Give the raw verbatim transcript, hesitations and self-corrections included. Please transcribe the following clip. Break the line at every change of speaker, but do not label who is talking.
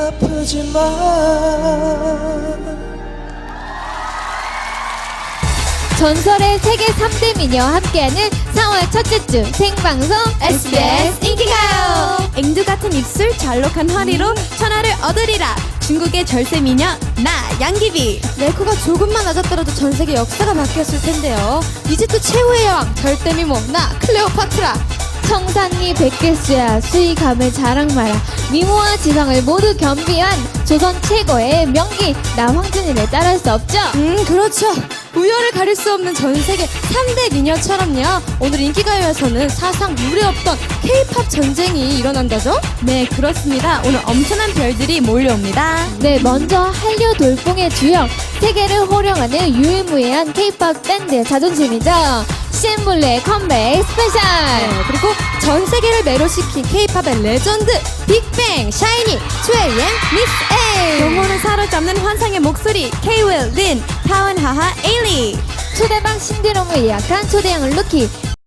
아프지 마.
전설의 세계 삼 대 미녀 함께하는 사월 첫째 주 생방송 에스비에스 인기가요.
앵두 같은 입술, 잘록한 허리로 천하를 얻으리라. 중국의 절세 미녀 나 양귀비.
레코가 조금만 낮았더라도 전 세계 역사가 바뀌었을 텐데요. 이집트 최후의 여왕 절대 미모 나 클레오파트라. 청산리 백개수야 수위감을 자랑 마라. 미모와 지성을 모두 겸비한 조선 최고의 명기 나 황준이를 따라할 수 없죠.
음 그렇죠. 우열을 가릴 수 없는 전 세계 삼 대 미녀처럼요. 오늘 인기가요에서는 사상 유례 없던 K-팝 전쟁이 일어난다죠? 네 그렇습니다. 오늘 엄청난 별들이 몰려옵니다.
네, 먼저 한류 돌풍의 주역, 세계를 호령하는 유일무이한 K-팝 밴드의 자존심이죠. 씨엔블루의 컴백 스페셜.
네, 그리고 전 세계를 매료시킨 K-팝의 레전드 빅뱅, 샤이니, 투에이엠, 미스 A. 영혼을 사로잡는 환상의 목소리 K-윌, 린, 타원하하, 에일리.
초대박 신드롬을 예약한 초대형 루키